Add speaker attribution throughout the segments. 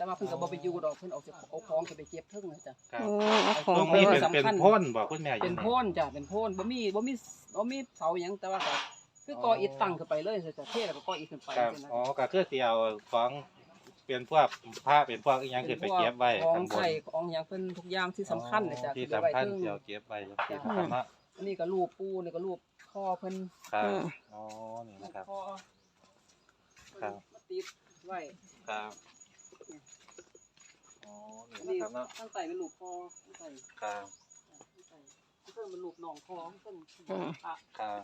Speaker 1: แต่ว่าเพิ่นก็บ่ไปอยู่ดอกเพิ่นเอาของไปเก็บเทิงจ้ะ
Speaker 2: ครับ
Speaker 3: เอาของ
Speaker 2: ตรง
Speaker 3: ไป
Speaker 2: นี้
Speaker 3: ไว้
Speaker 2: เป็นโพ่นบอกคุณแม่อยู่
Speaker 1: เป็นโพ่นจ้ะเป็นโพ่นบ่มีเสาหยังแต่ว่าก็คือก่ออิฐตั้งขึ้นไปเลยจ้ะเทแล้วก็ก่ออิฐขึ้นไป
Speaker 2: ครับ
Speaker 1: จังซี่นะ
Speaker 2: อ๋อก็คือสิเอาของเป็นพวกผ้าเป็นพวกอีหยังขึ้นไปเก็บไว้
Speaker 1: ของ
Speaker 2: ข้างบน
Speaker 1: ใส่ของหยังเพิ่นทุกอย่างที่สำคัญเลยจ้ะ
Speaker 2: ที่
Speaker 1: เก็บไว้
Speaker 2: สำคัญ
Speaker 1: เทิง
Speaker 2: ที่เอาเก็บไว้จังซี่นะครับเนาะ
Speaker 1: อันนี้ก็รูปปู่นี่ก็รูปพ่อเพิ่น
Speaker 2: ครับอ๋อนี่
Speaker 1: รู
Speaker 2: นะ
Speaker 1: ป
Speaker 2: ครับ
Speaker 1: พ่อ
Speaker 2: ครับ
Speaker 1: มาติดไว้
Speaker 2: ครับอ๋อนี่
Speaker 1: อัน
Speaker 2: นะ
Speaker 1: นี้
Speaker 2: ครับเนาะ
Speaker 1: ตั้งใส่เป็นรูปพ่อตั้งใส่
Speaker 2: ครับ
Speaker 1: เพิ่นเป็นรูปน้องพ่อเพิ่นพระ
Speaker 2: ครับ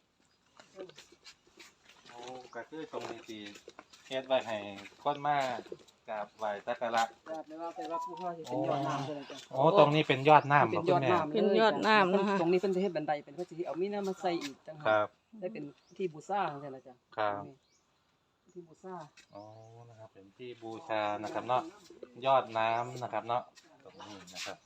Speaker 2: โอ้ก็คือตรงนี้ที่เฮ็ดไว้ให้คนมากราบไหว้สักการะ
Speaker 1: แบบไม่ว่าไปว่าผู้พ่อสิเป็นยอดน้ำเลยจ้ะ
Speaker 2: โอ้ตรงนี้เป็นยอดน้ำ
Speaker 1: เป็
Speaker 2: บ่
Speaker 1: น
Speaker 2: คุ
Speaker 1: ยอ
Speaker 2: ณ
Speaker 1: ด
Speaker 2: แม่
Speaker 1: น้ำ
Speaker 3: เป็นยอดน้ำนะคะ
Speaker 1: ตรงนี้เป็นจะเฮ็ดบันไดเป็นเพื่อสิเอามีน้ำมาใส่อีกจัง
Speaker 2: ครับ
Speaker 1: ได้เป็นที่บูชาจังซี่ล่ะจ้ะ
Speaker 2: ครับ
Speaker 1: ที่บูชา
Speaker 2: อ๋อนะครับเป็นที่บูชานะครับเนาะยอดน้ำนะครับเนาะตรงนี้นะครับ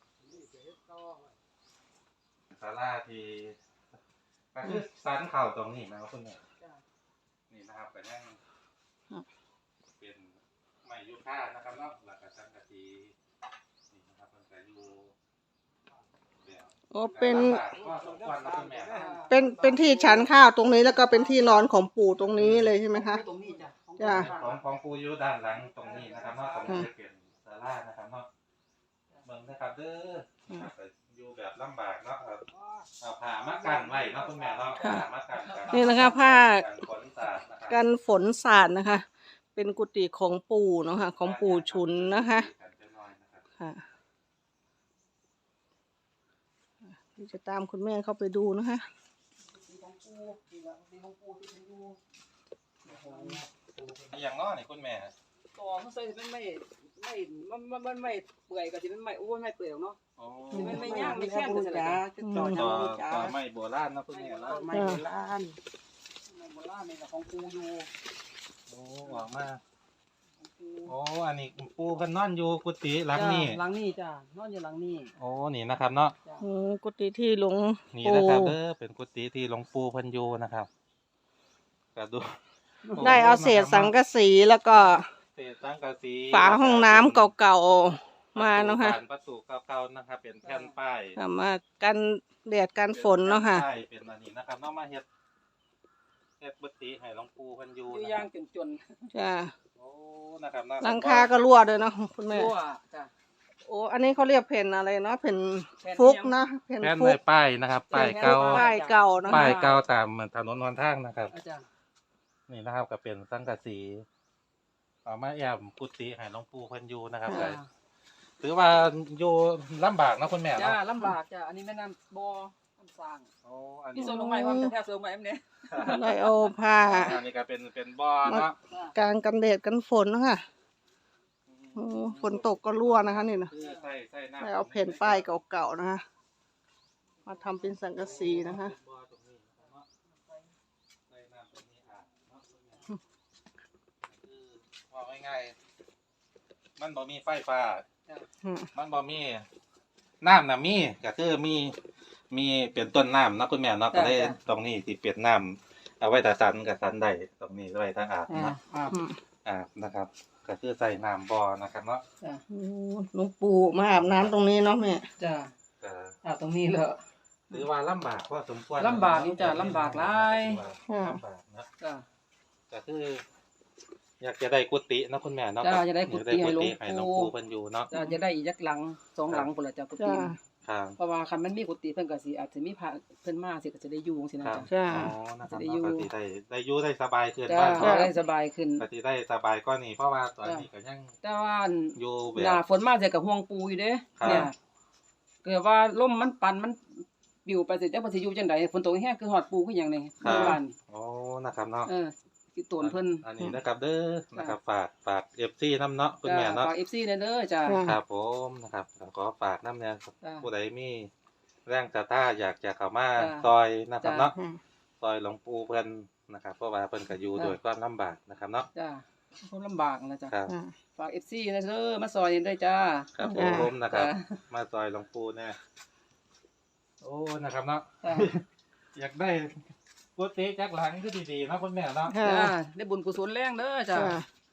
Speaker 2: ศาลาที่ก็คือสันเข่าตรงนี้นะครับคุณแม่
Speaker 1: จ้ะ
Speaker 2: นี่นะครับก็ยังเป็นไม้ยูคานะครับเนาะหลักกระสังกะสีนี่นะครับมันก็อยู่แบบ
Speaker 3: โอ้เป็น
Speaker 2: ก็สมควรนะคุณแม่นะ
Speaker 3: เป็นที่ฉันข้าวตรงนี้แล้วก็เป็นที่นอนของปู่ตรงนี้เลยใช่ไหมคะ
Speaker 1: ตรงนี้จ้ะ
Speaker 3: จ้ะ
Speaker 2: ของปูอยู่ด้านหลังตรงนี้นะครับเนาะตรงนี้จะเป็นศาลานะครับเนาะเบิ่งนะครับเด้อนะครับก็อยู่แบบลำบากเนาะครับเอาผ้ามากันไว้เนาะคุณแม่เนาะผ้ามากัน
Speaker 3: นี่นะคะผ้า
Speaker 2: กันฝนสาดนะครับ
Speaker 3: กันฝนสาดนะคะ เป็นกุฏิของปู่เนาะค่ะของปู่ชุนนะคะค่ะที่จะตามคุณแม่เข้าไปดูนะคะ
Speaker 1: สีของปู่สีของปู่ที่เป็นอยู่
Speaker 2: อย่างน้อนี่คุณแม่
Speaker 1: ต่อมันใส่เป็นมันไม่เปื่อยก็สิเป็นไม่ไม่เปื่อยเนาะ
Speaker 2: โอ้
Speaker 1: สิเป็นไม่ย่างไม่แข็งจังซี่ล่ะจ้ะ
Speaker 2: ต่อไม่โบราณนะคุณแม่เนาะ
Speaker 1: ไม่โบราณไม่โบราณนี่ก็ของปู่อยู่
Speaker 2: โอ้หวังมาก
Speaker 1: ของปู่
Speaker 2: โอ้อันนี้ปูเพิ่นนอนอยู่กุฏิหลังนี้
Speaker 1: หลังนี้จ้ะนอนอยู่หลังนี้
Speaker 2: โอ้นี่นะครับเนาะ
Speaker 1: จ้ะ
Speaker 3: กุฏิที่หลวง
Speaker 2: นี่
Speaker 3: ปู่
Speaker 2: นะครับเด้อเป็นกุฏิที่หลวงปู่เพิ่นอยู่นะครับก็ดู
Speaker 3: ได้เอาเศษสังกะสีแล้วก็
Speaker 2: เศษสังกะสี
Speaker 3: ฝาห้องน้ำเก่าๆมาเนาะค่ะ
Speaker 2: ประตูเก่าๆนะครับ เป็นแผ่นป้าย
Speaker 3: ค่ะมากันแดดกันฝนเนาะค่ะ
Speaker 2: ป็แผ่ป้ายเป็นอันนี้นะครับเนาะมาเฮ็ดกุฏิให้หลวงปู่เพิ่นอยู่
Speaker 1: อยู่
Speaker 2: นะ
Speaker 1: ย่าง
Speaker 2: ครับ
Speaker 1: จน
Speaker 3: จ้ะ
Speaker 2: โอ้นะครับเนาะ
Speaker 3: หลังคาก็รั่วด้วยเนาะคุณแม่
Speaker 1: รั่วจ้ะ
Speaker 3: โอ้อันนี้เขาเรียกเพ่นอะไรเนาะเพ่น
Speaker 1: แผ่น
Speaker 3: ฟุก
Speaker 1: เอียง
Speaker 3: นะเพ่น
Speaker 2: แผ่น
Speaker 3: ฟุ
Speaker 2: ไม้
Speaker 3: ก
Speaker 2: ป้ายนะครับป้ายเก่า
Speaker 3: ป้ายเก่านะ
Speaker 2: ป้า
Speaker 3: คะ
Speaker 2: ยเก่าตามถนนหนทางนะครับ
Speaker 1: อาจารย์
Speaker 2: นี่นะครับก็เป็นสังกะสีเอามาแอมกุฏิให้หลวงปู่เพิ่นอยู่นะครับก็ถือว่าอยู่ลำบากนะคุณแม่
Speaker 1: จ้า
Speaker 2: เนาะ
Speaker 1: ลำบากจ้ะอันนี้แม่น้ำบ่อน้ำสร้าง
Speaker 2: โอ้อัน
Speaker 1: นี่
Speaker 2: นี้
Speaker 1: โซนลงใหม่ความจะแทบโซนใหม่เอ็มเนี่ย
Speaker 3: ได้เอาผ้า
Speaker 2: อันนี้ก็เป็นบ่อเนาะ
Speaker 3: กลางกันแดดกันฝนเนาะค่ะโอ้ฝนตกก็รั่วนะคะนี่นะ
Speaker 2: คือใส่น้ำ
Speaker 3: ได้เอาเพ่นป้ายเก่าๆนะคะมาทำเป็นสังกะสีนะคะ
Speaker 2: บ่อตรงนี้นะครับเนาะใส่น้ำตรงนี้อาบเนาะคือว่าง่ายๆมันบ่มีไฟฟ้า มันบ่มีน้ำน่ะมีก็คือมีเป็นต้นน้ำเนาะคุณแม่เนาะก็ได้ตรงนี้ที่เปลี่ยนน้ำเอาไว้ถ้าสันกับสันได้ตรงนี้ไว้ถ้าอาบเนาะอาบนะครับ ก็คือใส่น้ำบ่อนะครับเนาะ
Speaker 1: จ้ะ
Speaker 3: โอ้หลวงปู่มาอาบน้ำตรงนี้เนาะแม่
Speaker 1: จ้ะ
Speaker 2: ก็
Speaker 1: ตรงนี้เลย
Speaker 2: หรือว่าลำบากพอสมควร
Speaker 1: ลำบากนี่จ้ะลำบากหลาย
Speaker 2: ลำบากนะ
Speaker 1: จ้ะ
Speaker 2: ก็คือ อยากจะได้กุฏิเนาะคุณแม่เนาะ
Speaker 1: จ้ะจะได้กุฏิให้หลวงปู่
Speaker 2: ให้หลวงปู่เพิ่นอยู่เนาะ
Speaker 1: จะได้อีกยักหลัง2หลังพุ่นละจ้ะกุฏิ
Speaker 3: จ้า
Speaker 2: ครับ
Speaker 1: เพราะว่าคันมันมีกุฏิเพิ่นก็สิอาจจะมีพระเพิ่นมาสิก็จะได้อยู่จังซี่นะครับ จ้ะ
Speaker 3: จ้า
Speaker 2: อ๋อนะครับ
Speaker 1: จะได้อยู่
Speaker 2: เนาะก็สิได้อยู่ได้สบายขึ้น
Speaker 1: จ้ะ
Speaker 2: บ้าน
Speaker 1: ก็
Speaker 2: เนาะ
Speaker 1: ได้สบายขึ้น
Speaker 2: ก็สิได้สบายก็นี่เพราะว่าตอนนี้ก็ยัง
Speaker 1: แต่ว่า
Speaker 2: อยู่แบ
Speaker 1: หน้า
Speaker 2: บ
Speaker 1: ฝนมาจะกับห่วงปูอยู่เด้
Speaker 2: ครับ
Speaker 1: เนี่ยเกิดว่าลมมันปั่นมันปิวไปเสร็จแล้วเพิ่นสิอยู่จังไดฝนตกแห้งคือฮอดปูคือหยังนี่เมื่อวาน
Speaker 2: โอ้นะครับเนาะ
Speaker 1: สิโตนเพิ่น
Speaker 2: อันนี้นะครับเด้อนะครับฝาก FC น้ำเนาะคุณแม่เนาะ
Speaker 1: ฝาก FC เด้อจ้ะ
Speaker 2: ครับผมนะครับขอฝากน้ำเนี่ย
Speaker 1: จ้ะ
Speaker 2: ผู้ใดมีแรงศรัทธาอยากจะเข้ามา
Speaker 1: จ้ะ
Speaker 2: ซอยนะครับ
Speaker 1: จ้ะ
Speaker 2: เนาะซอยหลวงปู่เพิ่นนะครับเพราะว่าเพิ่นก็อยู่
Speaker 1: จ้ะ
Speaker 2: โดวยความลำบากนะครับเนาะ
Speaker 1: จ้ะคนลำบากนะจ้ะ
Speaker 2: ครับ
Speaker 1: ฝาก FC นะเด้อมาซอยด้วยจ้า
Speaker 2: ครับผ
Speaker 3: จ้ะ
Speaker 2: มนะครับ
Speaker 1: จ้ะ
Speaker 2: มาซอยหลวงปู่เนี่ยโอ้นะครับเนาะ
Speaker 1: จ้ะ
Speaker 2: อยากได้กุฏิจักหลังคือดีๆเนาะคุณแม่เนาะ
Speaker 3: ค่ะ
Speaker 1: จ้าได้บุญกุศลแรงเด้อจ้ะ
Speaker 3: จ้า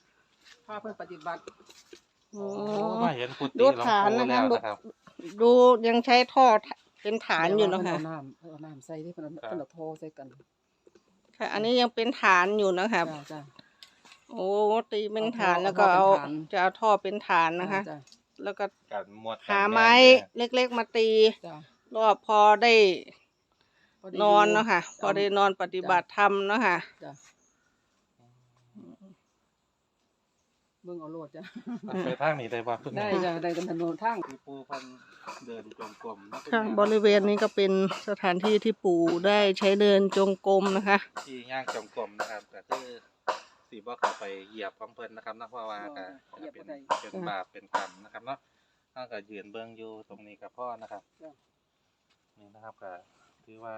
Speaker 1: พาเพิ่นปฏิบัติ
Speaker 3: โอ้
Speaker 2: มาเห็นกุฏิ
Speaker 3: ดู
Speaker 2: หลวง
Speaker 3: ฐาน
Speaker 2: ปู่
Speaker 3: นะ
Speaker 2: แล้ว
Speaker 3: คะ
Speaker 2: นะครับ
Speaker 3: ดูยังใช้ท่อเป็นฐานอยู่นะคะ
Speaker 1: เอาน้ำใส่ที่เพิ่นเอาโทใส่กัน
Speaker 3: ค่ะ อันนี้ยังเป็นฐานอยู่นะคะ
Speaker 1: จ้าจ้า
Speaker 3: โอ้ตีเป็นฐาน
Speaker 1: เอาท่อ
Speaker 3: แล้วก็เอา
Speaker 1: เอาท่อเป็นฐาน
Speaker 3: จะเอาท่อเป็นฐานนะคะ
Speaker 1: จ้า
Speaker 3: แล้วก็
Speaker 2: การหมวด
Speaker 3: หาไม้เล็กๆมาตี
Speaker 1: จ้า
Speaker 3: รอบพอได้
Speaker 1: พอดี
Speaker 3: นอนเนาะค่ะ
Speaker 1: จ้
Speaker 3: พอได้นอนปฏิบัติธรรมเนาะค่ะ
Speaker 1: จ้าเบิ่งเอาโลดจ้า
Speaker 2: ไปทางนี้ได้บ่คุณ
Speaker 1: ได้
Speaker 2: แม่
Speaker 1: จ้าได้กันถนนทาง
Speaker 2: ที่ปู่เพิ่นเดินจงกรมนะคุณ
Speaker 3: ค่ะ
Speaker 2: แม่
Speaker 3: บริเวณนี้ก็เป็นสถานที่ที่ปู่ได้ใช้เดินจงกรมนะคะ
Speaker 2: ที่ย่างจงกรมนะครับก็คือสิบ่เข้าไปเหยียบของเพิ่นนะครับเนาะเพราะว่าก็จะเป็นบาปเป็นกรรมนะครับเนาะเฮาก็ยืนเบิ่งอยู่ตรงนี้กับพ่อนะครับนี่นะครับก็ถือว่า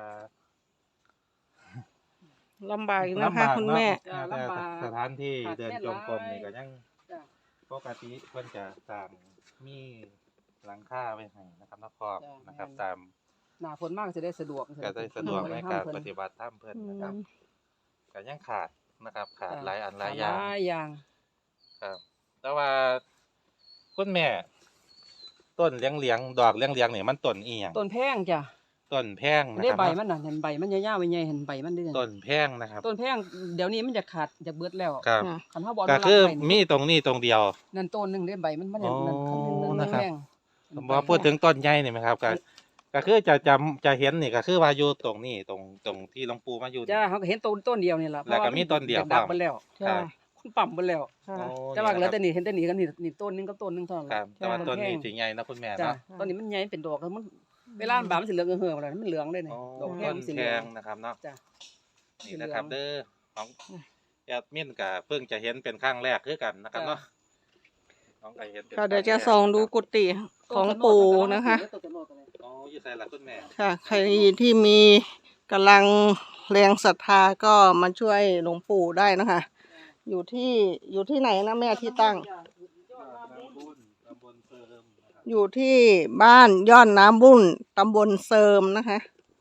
Speaker 3: ลำบากอยู่นะคะคุณแม่
Speaker 1: จ้า
Speaker 2: แต่
Speaker 1: ลำบาก
Speaker 2: สถานที่เดินจงกรมนี่
Speaker 1: ขาดแม่นหลาย
Speaker 2: ก็ยัง
Speaker 1: จ้า
Speaker 2: ปกติเพิ่นจะสร้างมีหลังคาไว้ให้นะครับเนาะครอบนะครับตาม
Speaker 1: หน้าฝนมากจะได้สะดวก
Speaker 2: ก็ได้สะดวกในการปฏิบัติธรรมเพิ่นนะครับ
Speaker 3: อืม
Speaker 2: ก็ยังขาดนะครับ ขาดหลายอันหลายอ
Speaker 1: ห
Speaker 2: ย่าง
Speaker 1: ลายอย่าง
Speaker 2: ครับ แต่ว่าคุณแม่ ต้นเลี้ยงดอกเลี้ยงนี่มันต้นอีหยัง
Speaker 1: ต้นแพงจ้ะ
Speaker 2: ต้นแพงนะ
Speaker 1: ได้
Speaker 2: ครับ
Speaker 1: ใบมันน่ะเห็นใบมันยาวๆใหญ่ๆเห็นใบมันได้
Speaker 2: ต้นแพงนะครับ
Speaker 1: ต้นแพงเดี๋ยวนี้มันจะขาดจะเบิดแล้ว
Speaker 2: ครับ
Speaker 1: คันเฮาบ่
Speaker 2: ก็
Speaker 1: รั
Speaker 2: คือ
Speaker 1: ไว้นี่
Speaker 2: มีตรงนี้ตรงเดียว
Speaker 1: นั่นต้นหนึงได้ใบมันนั่น
Speaker 2: อ๋อ
Speaker 1: นั่น
Speaker 2: นะครับ
Speaker 1: แพง
Speaker 2: บ่พูดถึงต้นใหญ่นี่ไหมครับก็คือจะเห็นนี่ก็คือว่าอยู่ตรงนี้ตรงที่หลวงปู่มาอยู่นี่
Speaker 1: จ้าเขาก็เห็นต้นเดียวนี่ล่ะ
Speaker 2: แล้วก็มีต้นเดียว
Speaker 1: ดับไปแล้ว
Speaker 2: ครับ
Speaker 1: คุณปั๊มไปแล้ว
Speaker 3: ค่ะ
Speaker 2: โอ้
Speaker 1: แต่ว่าเหลือแต่
Speaker 2: นี่
Speaker 1: นี่เห็นแต่นี่กันนี่ต้นหนึงกับต้นหนึงเท่านั้น
Speaker 2: ครับแต่ว่า
Speaker 1: จ้ะ
Speaker 2: ต้นนี้
Speaker 1: แพง
Speaker 2: สิใหญ่นะคุณแม่
Speaker 1: จ้า
Speaker 2: เนาะ
Speaker 1: ต้นนี้มันใหญ่เป็นดอกแล้วมันเวลามันบานมันสิเหลืองเหือๆแล้วมันเหลืองได้นี่
Speaker 2: อ๋อ
Speaker 1: ดอกแพ
Speaker 2: ต้
Speaker 1: ง
Speaker 2: น
Speaker 1: มันสิ
Speaker 2: แพ
Speaker 1: เหลือง
Speaker 2: งนะครับเนาะ
Speaker 1: จ้ะ
Speaker 2: นี่นะครับ
Speaker 1: เหลือง
Speaker 2: เด้อของแอดมินก็เพิ่งจะเห็นเป็นครั้งแรกคือกันนะครับ
Speaker 1: จ้ะ
Speaker 2: เนาะน้องก็เห็นเป็น
Speaker 3: ค่ะเดี๋ยว
Speaker 2: ค
Speaker 3: จะ
Speaker 2: รั้แรก
Speaker 3: ส่องดูกุฏิของปู่นะคะ
Speaker 1: ต้นตะโนดอะไร
Speaker 2: อ๋ออยู่ใส่ละคุณแม่
Speaker 3: ค่ะ ใครที่มีกำลังแรงศรัทธาก็มาช่วยหลวงปู่ได้นะคะ อยู่ที่ไหนนะแม่ที่ตั้ง
Speaker 2: ตำบลเสริมนะครับ
Speaker 3: อยู่ที่บ้านยอดน้ำบุ่นตำบลเสริมนะคะ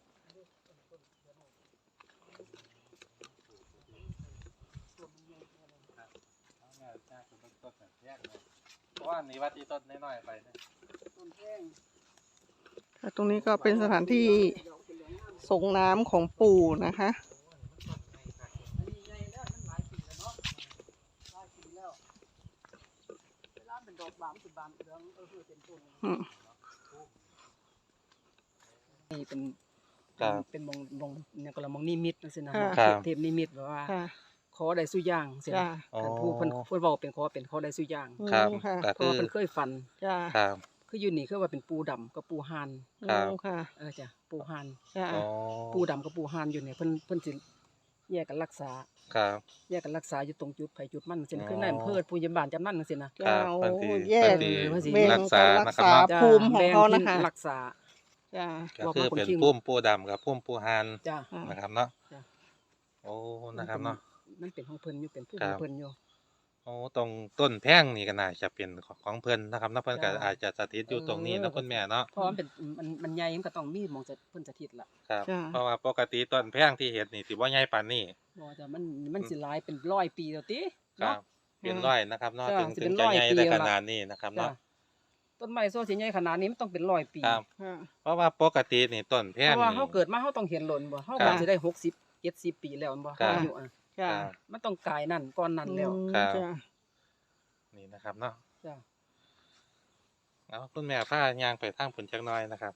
Speaker 2: เพราะว่านี่ว่าที่ต้นน้อยๆไปนะ
Speaker 1: ต้นแพง
Speaker 3: ค่ะตรงนี้ก็เป็นสถานที่ส่งน้ำของปู่นะคะ
Speaker 1: อันนี้ใหญ่แล้วมันหลายปีแล้วเนาะหลายปีแล้วเวลาเป็นดอกบานสิบานเหลืองเป็นต้น
Speaker 3: อืม
Speaker 1: นี่เป็น
Speaker 2: ครับ
Speaker 1: เป็นมองเนี่ยก็ละมองนิมิตจังซี่นะ
Speaker 2: ครับ
Speaker 1: เทพนิมิตแบบว่า
Speaker 3: ค่ะ
Speaker 1: ขอได้สุอย่างซี่
Speaker 3: จ้า
Speaker 1: นะ
Speaker 2: อ๋อ
Speaker 1: การผู้เพิ่นเว้าเป็นขอได้สุอย่าง
Speaker 2: ครับ
Speaker 3: ค่ะ
Speaker 2: ก็
Speaker 1: เพราะ
Speaker 2: คือ
Speaker 1: ว่าเพิ่นเคยฝัน
Speaker 3: จ้า
Speaker 2: ครับ
Speaker 1: คืออยู่นี่คือว่าเป็นปูดำกับปูหาน
Speaker 2: ครับ
Speaker 3: ค่ะ
Speaker 1: จ้ะปูหาน
Speaker 3: จ้า
Speaker 2: อ๋อ
Speaker 1: ปูดำกับปูหานอยู่เนี่ยเพิ่นสิแยกกันรักษา
Speaker 2: ครับ
Speaker 1: แยกกันรักษาอยู่ตรงจุดไผจุดมันจังซี่นะ
Speaker 2: อ๋อ
Speaker 1: คือในอำเภอผู้ใหญ่บ้านจำนั้นจังซี่นะ
Speaker 2: ครั
Speaker 3: จ้า
Speaker 2: บ
Speaker 3: โอ้
Speaker 2: เพิ่นสิ
Speaker 3: แยก
Speaker 2: เพิ่นสิ
Speaker 3: เบ่ง
Speaker 2: รักษา
Speaker 3: การรัก
Speaker 2: นะครับ
Speaker 3: ษา
Speaker 2: เนาะ
Speaker 1: จ้ะ
Speaker 3: ภูมิของเขา
Speaker 1: แบ่
Speaker 3: นะคะ
Speaker 1: ที่รักษา
Speaker 3: จ้า
Speaker 2: ก็คือเป็น
Speaker 1: บอกมาคนขี้
Speaker 2: พุ่มปูดำกับพุ่มปูหาน
Speaker 1: จ้ะ
Speaker 2: นะครับเนาะ
Speaker 1: จ้ะ
Speaker 2: โอ้นะครับเนาะ
Speaker 1: มันเป็นของเพิ่นอยู่เป็นผู้
Speaker 2: ครั
Speaker 1: ขอบ งเพิ่นอยู่
Speaker 2: โอ้ตรงต้นแพงนี่ก็น่าจะเป็นของเพิ่นนะครับเนาะเพิ่นก็
Speaker 1: จ้ะ
Speaker 2: อาจจะสถิตอยู่ตรงนี้นะคุณแม่เนาะ
Speaker 1: เพราะมันเป็นมันใหญ่มันก็ต้องมีหมองจะเพิ่นสถิตล่ะ
Speaker 2: ครับ
Speaker 3: จ้ะ
Speaker 2: เพราะว่าปกติต้นแพงที่เห็นนี่สิบ่ใหญ่ปานนี้
Speaker 1: บ่จ้ะมันสิหลายเป็น100ปีแล้วติ
Speaker 2: ครั
Speaker 1: เนาะ
Speaker 2: บเป็นร้อยนะครับเนาะ
Speaker 1: จ้ะ
Speaker 2: ถึง
Speaker 1: สิ
Speaker 2: ถึ
Speaker 1: เป็
Speaker 2: ง
Speaker 1: น
Speaker 2: จะ
Speaker 1: 100
Speaker 2: ใหญ่
Speaker 1: ปี
Speaker 2: ได้
Speaker 1: แล้ว
Speaker 2: ข
Speaker 1: ล่ะ
Speaker 2: นาดนี้นะครับ
Speaker 1: จ้ะ
Speaker 2: เนาะ
Speaker 1: ต้นไม้โซสิใหญ่ขนาดนี้มันต้องเป็น100ปี
Speaker 2: ครับ
Speaker 3: ค่ะ
Speaker 2: เพราะว่าปกตินี่ต้นแพ
Speaker 1: เพ
Speaker 2: ง
Speaker 1: ราะว่า
Speaker 2: นี่
Speaker 1: เฮาเกิดมาเฮาต้องเห็นหล่นบ่เฮา
Speaker 2: ครั
Speaker 1: ก็
Speaker 2: บ
Speaker 1: สิได้60 70ปีแล้วแม่นบ่
Speaker 2: ครับ
Speaker 1: อายุอ่ะ
Speaker 3: จ้า
Speaker 2: ครับ
Speaker 1: มันต้องกายนั่นก่อนนั้นแล้ว
Speaker 2: ครับ
Speaker 3: จ้า
Speaker 2: นี่นะครับเนาะ
Speaker 1: จ้ะ
Speaker 2: เอาคุณแม่พายางไปทางผลจักหน้อยนะครับ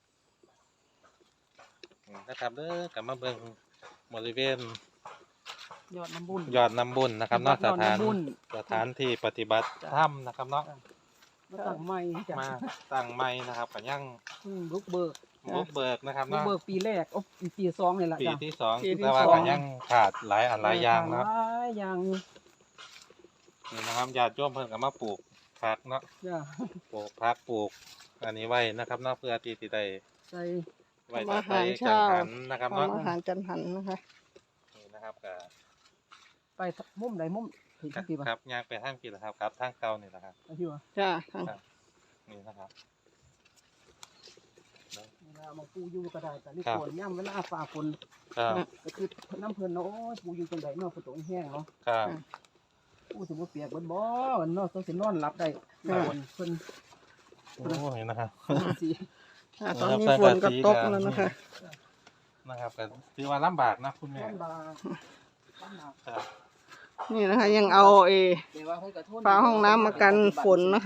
Speaker 2: นี่นะครับเด้อกลับมาเบิ่งบริเวณ
Speaker 1: ยอดน้ำบุญ
Speaker 2: ยอดน้ำบุญนะครับเนาะ
Speaker 1: ยอดน้ำบุญ
Speaker 2: สถานที่ปฏิบัติ
Speaker 1: จ้ะ
Speaker 2: ธรรมนะครับเนาะ
Speaker 1: มาตั้งใหม่จ้ะ
Speaker 2: มาตั้งใหม่นะครับก็ยัง
Speaker 1: บุกเบิก
Speaker 2: บุกเบิกนะครับ
Speaker 1: บุก
Speaker 2: เนาะ
Speaker 1: เบิกปีแรกโอ้ปี2นี่ล่ะ
Speaker 2: ปี
Speaker 1: จ้ะ
Speaker 2: ที่สอง
Speaker 3: ปีที่
Speaker 2: แต่ว่า
Speaker 3: สอง
Speaker 2: ก็ยังขาดหลายอันหลายอย่างเนาะ
Speaker 1: หลายอย่างอยู่
Speaker 2: นี่นะครับญาติโยมเพิ่นก็มาปลูกผักเนาะ
Speaker 1: จ้ะ
Speaker 2: ปลูกผักปลูกอันนี้ไว้นะครับเนาะเพื่อที่จะได้
Speaker 1: ใส่
Speaker 2: ไว้
Speaker 3: ทำอาหาร
Speaker 2: กั
Speaker 3: เช้า
Speaker 2: งหันนะครับเนาะ
Speaker 3: ทำอาหารจันหันนะคะ
Speaker 2: นี่นะครับก็
Speaker 1: ไปมุมใดมุมถึงทั้งปีบ่
Speaker 2: ครับย่างไปทางกี่ละครับทางเก่านี่แหละครับ
Speaker 1: อันที่ว่า
Speaker 3: จ้า
Speaker 2: นี่นะครับ
Speaker 1: เวลามาปูอยู่ก็ได้แต่นี่
Speaker 2: ครับ
Speaker 1: ฝนย่ำเวลาฟ้าฝน
Speaker 2: ครับ
Speaker 1: ก็คือน้ำเพิ่นเนาะโอ้ยปูอยู่จังไดเนาะฝนตกแห้งเนาะ
Speaker 2: ครับ
Speaker 1: อู้สิบ่เปียกเบิดบ่เนาะต้องสินอนหลับได้เพิ่น
Speaker 2: โอ้ยนะครับ
Speaker 1: สิ
Speaker 3: ตอนนี้ฝนก็ตกแล้วนะคะ
Speaker 2: นะครับก็ถือว่าลำบากนะคุณแม่
Speaker 1: ลำบาก
Speaker 2: ครับ
Speaker 3: นี่นะคะ ยังเอา
Speaker 1: แต่ว่าเพิ่นก็ทน
Speaker 3: ฝาห้องน้ำมากันฝนนะคะ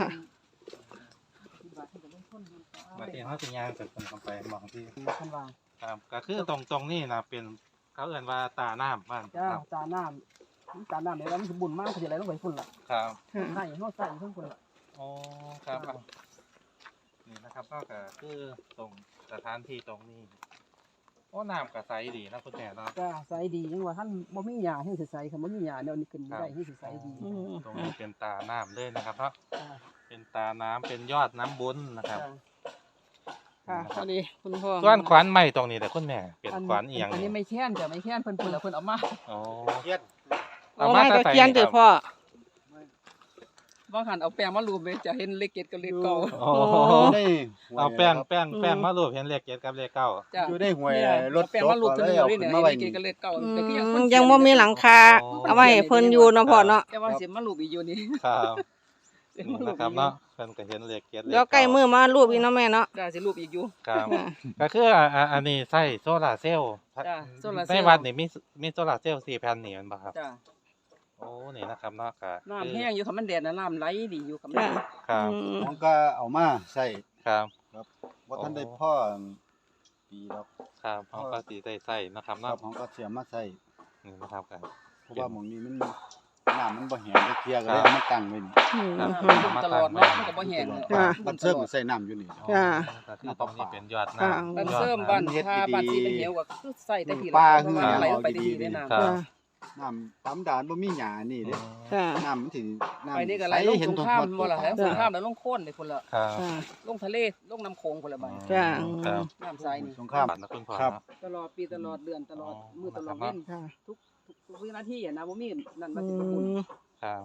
Speaker 2: มาที่เขาสิยางจากคนเข้าไปมองที่
Speaker 1: ข้างล่าง
Speaker 2: ครับก็คือตรงนี้นะเป็นเขาเอ่นว่าตาน้ำบ้าน
Speaker 1: จ้า
Speaker 2: ครับ
Speaker 1: จาน้ำเดี๋ยวมันสมบูรณ์มากเขาจะไหลลงไปฝุ่นล่ะ
Speaker 2: ครับ
Speaker 1: ใส่เฮาใส่ทั้งฝุ่นล่ะ
Speaker 2: โอ้ครับเอานี่นะครับก็คือตรงสถานที่ตรงนี้โอ้น้ำก็ใสดีนะคุณแม่เนาะ
Speaker 1: จ้าใส่ดีจังว่าท่านบ่มีหญ้าให้สิใส่คันบ่มีหญ้าแนวนี้ขึ้นบ่ได้ให้สิใส่ดี
Speaker 2: ตรงนี้เป็นตาน้ำเลยนะครับเนาะ
Speaker 1: จ้า
Speaker 2: เป็นตาน้ำเป็นยอดน้ำบุญนะครับ
Speaker 3: ค่ะพอดีคุณพ่อ
Speaker 2: ส่วนขวานไม้ตรงนี้แต่คุณแม่เป็นขวานเอียง
Speaker 1: อันนี้ไม่แค้นจ้ะไม่แค้นเพิ่นเพิ่นเอามา
Speaker 2: โอ้
Speaker 4: เทียน
Speaker 3: โอ้ไม่ตะเคียนเถอะพ่อ
Speaker 1: ว่าหันเอาแป้งมารูปเลยจะเห็นเลขเกตกับเลขเก่า
Speaker 2: โอ้
Speaker 4: ได้
Speaker 2: เอาแป้งมารูปเห็นเลขเจ็ดกับเลขเก้า
Speaker 1: จ้ะ
Speaker 4: อยู่ได้หวย
Speaker 1: เนี่ย
Speaker 4: รถ
Speaker 1: เอาแป้งมารูป
Speaker 4: ก็
Speaker 1: ตัว
Speaker 4: เลย
Speaker 1: เดียว
Speaker 4: เอา
Speaker 1: นี่
Speaker 4: ขึ้
Speaker 1: เนี่ย
Speaker 4: นมาไว้
Speaker 1: เลขเกตกับเลขเก่าแต่ก็ยัง
Speaker 3: ยังบ่มีหลังคาเอาไว้ให้เพิ่นอยู่เนาะพ่อเนาะ
Speaker 1: แต่ว่าสิมารูปอีกอยู่นี่
Speaker 2: ครับนี่นะครับเนาะเพิ่นก็เห็นเลขเจ็ดเลข
Speaker 3: เดี๋ยวใกล้มือมารูปอีกเนาะแม่เนาะ
Speaker 1: จ้ะสิรูปอีกอยู่
Speaker 2: ครับก็คืออันนี้ใส่โซลาร์เซลล์
Speaker 1: จ้ะโซลาร์เซลล์
Speaker 2: ในวัดนี่มีโซลาร์เซลล์4แผ่นนี่แม่นบ่ครับ
Speaker 1: จ้ะ
Speaker 2: โอ้นี่นะครับเนาะก็
Speaker 1: น้ำแห้งอยู่คันมันแดดน่ะน้ำไหลดีอยู่คันมัน
Speaker 3: จ้ะ
Speaker 2: ครับ
Speaker 4: ผมก็เอามาใส่
Speaker 2: ครับ
Speaker 4: ว่าท่านได้พ่อปีแล้ว
Speaker 2: ครับเขาก็สิได้ใส่นะครับ
Speaker 4: ครั
Speaker 2: เนาะ
Speaker 4: บผมก็เสียมาใส่
Speaker 2: นี่นะครับกัน
Speaker 4: เพราะว่าหมองนี้มันน้ำมันบ่แห้งได้เคลียร์ก็เลยเอามาตั้งไว้นี่
Speaker 1: ตลอดเนาะมันก็บ่แห้งเลย
Speaker 3: จ้ะ
Speaker 4: มันเสื่อมใส่น้ำอยู่นี่
Speaker 3: จ้ะ
Speaker 2: ก็คือตรงนี้เป็นยอด
Speaker 3: ค่ะ
Speaker 2: น้ำ
Speaker 1: บ้าน
Speaker 2: ยอด
Speaker 1: เสริม
Speaker 2: น้ำ
Speaker 1: บ้าน
Speaker 4: เฮ็ด
Speaker 1: ท่า
Speaker 4: ดีๆ
Speaker 1: บ้านที่เป็นเหวก็คือใส่ได้ที
Speaker 4: ปลา
Speaker 1: เพราะว่าไหลลงไปดีๆในน้ำ
Speaker 2: ครับ
Speaker 4: น้ำตำดานบ่มีหญ้านี่เด้
Speaker 3: จ้ะ
Speaker 4: น้ำมันสิน้ำ
Speaker 1: ไปนี่ก็ไหลลงสงครามบ่ล่ะแล้วสงครามแล้วลงโค่นเลยคนละ
Speaker 2: ครับ
Speaker 3: จ้ะ
Speaker 1: ลงทะเลลงน้ำโขงคนละใบ
Speaker 3: จ้ะ
Speaker 2: ครับ
Speaker 1: น้ำใสนี่
Speaker 4: สงคราม
Speaker 2: บัตรนะคุณพ่อ
Speaker 4: ครับ
Speaker 2: เนาะ
Speaker 1: ตลอดปีตลอดเดือนตลอดมื้อตลอดเว้น
Speaker 3: ค่ะ
Speaker 1: ทุกวินาทีอ่ะนะบ่มีนั่นมา
Speaker 3: อื
Speaker 1: สิบ่บุญ
Speaker 3: ม
Speaker 2: ครับ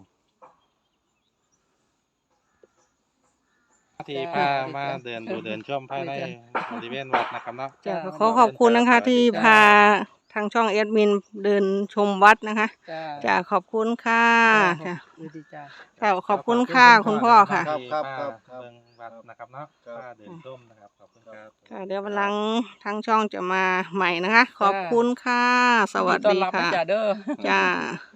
Speaker 2: ที่พามาเดินดูเดินชมภายในบริเวณวัดนะครับเนาะ
Speaker 3: จ้ะขอขอบคุณนะคะ ที่พาทางช่องแอดมินเดินชมวัดนะคะ
Speaker 1: จ้า
Speaker 3: จ้ะขอบคุณค่ะค่ะ
Speaker 1: ดีจ้า
Speaker 3: ค่ะขอบคุณค่ะคุณพ่อค่ะ
Speaker 4: ครับครับ
Speaker 2: ที่
Speaker 4: ครับ
Speaker 2: พาเดินวัดนะครับเนาะ
Speaker 4: ครับ
Speaker 2: พาเดินชมนะครับขอบคุณครับ
Speaker 3: ค่ะเดี๋ยววันหลังทางช่องจะมาใหม่นะคะ ขอบคุณค่ะ สวัส
Speaker 1: ต้อน
Speaker 3: ดี
Speaker 1: รับนะ
Speaker 3: ค่ะ
Speaker 1: จ้าเด้อ
Speaker 3: จ้า